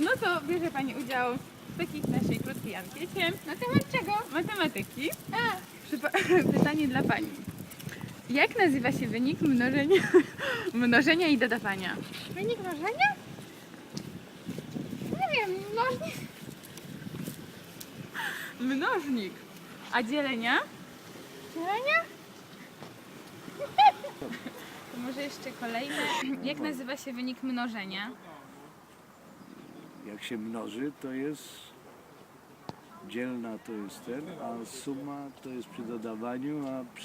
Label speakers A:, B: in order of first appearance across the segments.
A: No to bierze Pani udział w takiej naszej krótkiej ankiecie.
B: Na temat czego?
A: Matematyki.
B: A,
A: Pytanie dla Pani. Jak nazywa się wynik mnożenia i dodawania?
B: wynik mnożenia? Nie wiem, mnożnik.
A: Mnożnik. A dzielenia?
B: Dzielenia?
A: To może jeszcze kolejne. Jak nazywa się wynik mnożenia?
C: Jak się mnoży, to jest dzielna to jest ten, a suma to jest przy dodawaniu, a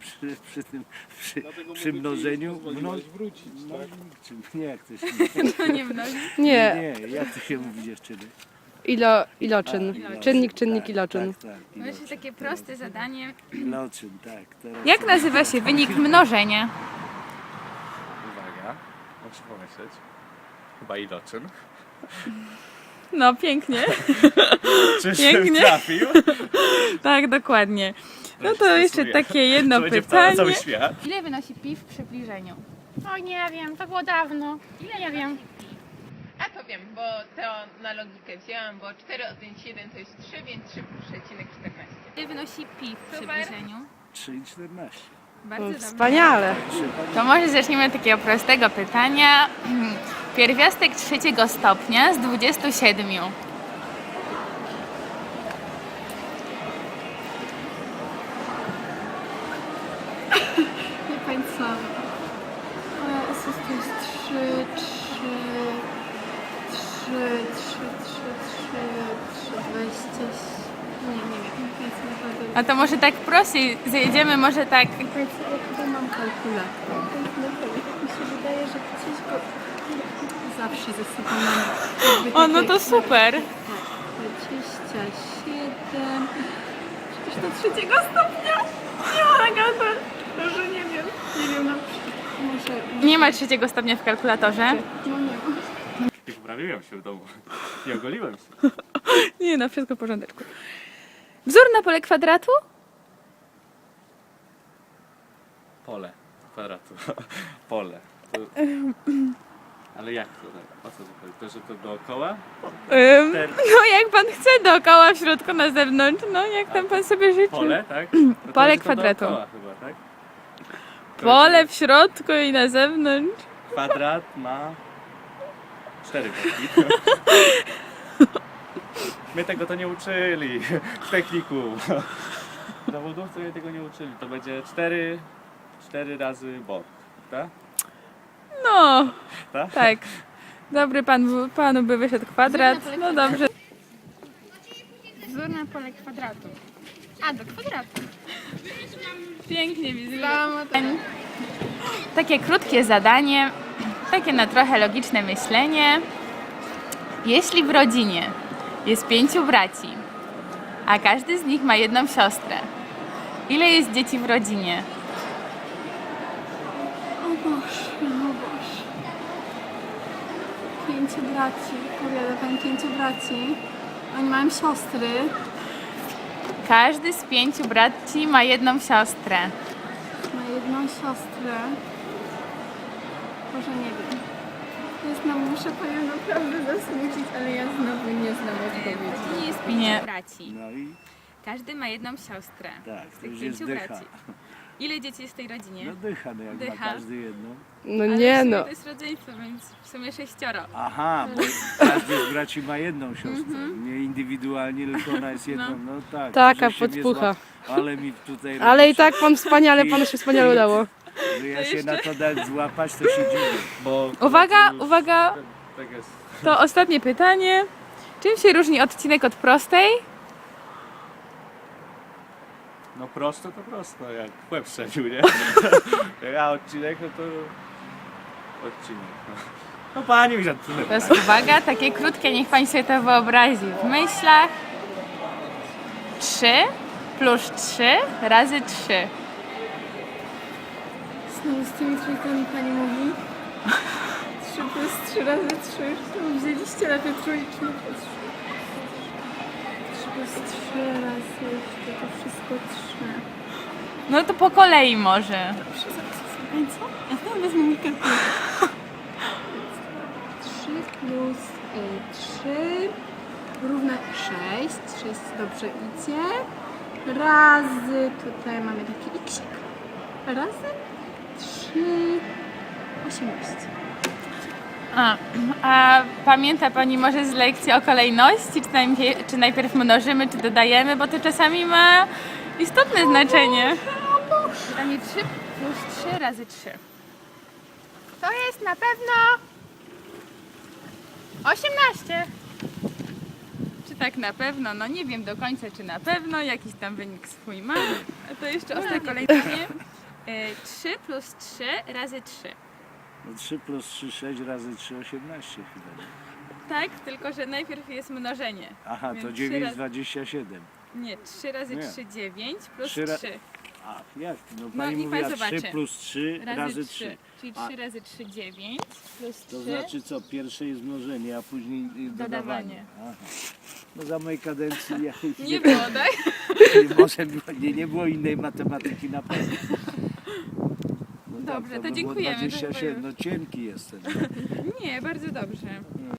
C: przy mnożeniu
D: wrócić, tak?
C: mnożnik, czy nie, jak to się
A: No nie mnożnik.
E: Nie,
C: nie, jak to się mówi dziewczyny?
E: iloczyn.
C: Iloczyn,
E: Czynnik,
C: tak,
E: iloczyn.
C: Tak, tak,
A: To jest takie proste zadanie.
C: Iloczyn, tak. Teraz
A: Jak nazywa się wynik mnożenia?
D: Uwaga, muszę pomyśleć. Chyba iloczyn.
A: No pięknie.
D: Czyżbym
A: Pięknie.
D: trafił?
A: Tak, dokładnie. No to jeszcze takie jedno
D: To będzie cały
A: pytanie.
D: świat.
A: Ile wynosi pi w przybliżeniu?
B: O nie wiem, to było dawno. Nie wiem.
F: A to wiem, bo to na logikę wzięłam, bo 4 odjąć 1 to jest 3, więc 3,14.
A: Ile wynosi pi w
F: Super.
A: przybliżeniu?
C: 3,14.
A: Bardzo dobrze.
E: Wspaniale.
A: To może zacznijmy od takiego prostego pytania. Pierwiastek trzeciego stopnia z 27.
B: Nie pamiętam. Jezus, to jest 3, 20. Nie wiem, nie pamiętam naprawdę.
A: A to może tak prościej zajedziemy, może tak.
B: Ja chyba mam kalkulator. Mi się wydaje, że gdzieś go zawsze ze sobą mam.
A: O, no to super.
B: 27. Przecież do trzeciego stopnia. Nie ma nagady. Może nie wiem. Nie wiem na przykład. Może.
A: Nie ma trzeciego stopnia w kalkulatorze.
B: No nie ma.
D: I poprawiłem się w domu. I ogoliłem się.
A: Nie, no wszystko w porządeczku. Wzór na pole kwadratu?
D: Pole kwadratu. Pole. To... Ale jak to? Tak? O co to chodzi? To, że to dookoła?
A: No jak pan chce, dookoła, w środku, na zewnątrz, no jak tam pan sobie życzy.
D: Pole, tak? No to
A: Pole
D: będzie to
A: kwadratu.
D: dookoła chyba, tak?
A: Pole w środku i na zewnątrz.
D: Kwadrat ma 4 boki. My tego to nie uczyli w technikum. Zawodowcy mnie tego nie uczyli. To będzie 4 razy bok, tak?
A: No,
D: Tak?
A: tak. Dobry panu by wyszedł kwadrat. No dobrze.
B: Wzór na pole kwadratu. A, do kwadratu.
A: Pięknie widzę.
B: Dama to...
A: Takie krótkie zadanie, takie na trochę logiczne myślenie. Jeśli w rodzinie jest 5 braci, a każdy z nich ma jedną siostrę, ile jest dzieci w rodzinie?
B: O Boże, o Boże. 5 braci. Powiada pan 5 braci. Oni mają siostry.
A: Każdy z 5 braci ma jedną siostrę.
B: Ma jedną siostrę. Boże, nie wiem. Muszę panią naprawdę zasmucić, ale ja znowu nie znam odpowiedzi.
A: Nie jest 5 braci.
C: No i
A: Każdy ma jedną siostrę.
C: tak,
A: Z
C: to
A: tych
C: już
A: 5
C: jest dycha.
A: braci. Ile dzieci jest w tej rodzinie?
C: No dycha, no jak
A: Dycha.
C: ma każdy jedną.
E: No
A: Ale w
E: nie
A: sumie
E: no.
A: to jest rodzeństwo, więc w sumie 6.
C: Aha, bo każdy z braci ma jedną siostrę. Nie indywidualnie, tylko ona jest jedną. No tak.
E: Taka
C: żeście mnie
E: podpucha.
C: Ale mi tutaj
E: Ale i tak pan wspaniale, panu się wspaniale udało.
C: że ja się na to dać złapać, to się dziwię.
D: Bo
A: Uwaga, uwaga,
D: tak jest.
A: to ostatnie pytanie. Czym się różni odcinek od prostej?
D: No prosto to prosto, jak w łeb strzelił, nie? A odcinek, no to odcinek. No pani mi żartuje.
A: Teraz uwaga, takie krótkie, niech pani sobie to wyobrazi w myślach. 3 plus 3 razy 3.
B: Znowu z tymi trójkami pani mówi. 3 plus 3 razy 3. To wzięliście na te trójki. 3 plus 3 razy to wszystko 3.
A: No to po kolei może.
B: Ej, co? Ja znowu wezmę mi kalkulator. 3 plus 3 równe 6. 6 dobrze idzie. Razy, tutaj mamy taki xik. Razy 3, 18.
A: A pamięta Pani może z lekcji o kolejności, czy najpierw mnożymy, czy dodajemy, bo to czasami ma istotne znaczenie. Pytanie 3 plus 3 razy 3. To jest na pewno 18. Czy tak na pewno? No nie wiem do końca, czy na pewno. Jakiś tam wynik swój ma. A to jeszcze ostre kolejność. 3 plus 3 razy 3.
C: No 3 plus 3, 6 razy 3, 18 chyba.
A: Tak, tylko że najpierw jest mnożenie.
C: Aha,
A: Więc
C: to
A: 3
C: 9,
A: razy-
C: 27.
A: Nie, 3 razy
C: Nie.
A: 3, 9 plus
C: 3 ra-
A: 3
C: A, jak? No
A: No
C: pani
A: i pan
C: mówiła
A: zobaczy.
C: 3 plus 3 razy 3.
A: Czyli
C: A.
A: 3 razy 3, 9 plus 3.
C: To znaczy co? Pierwsze jest mnożenie, a później dodawanie.
A: Dodawanie.
C: Aha. No za mojej kadencji ja
A: Nie było, tak?
C: może nie było innej matematyki na pewno. No
A: Dobrze, to
C: by było
A: dziękujemy, to
C: 27, no cienki jestem.
A: Nie, bardzo dobrze.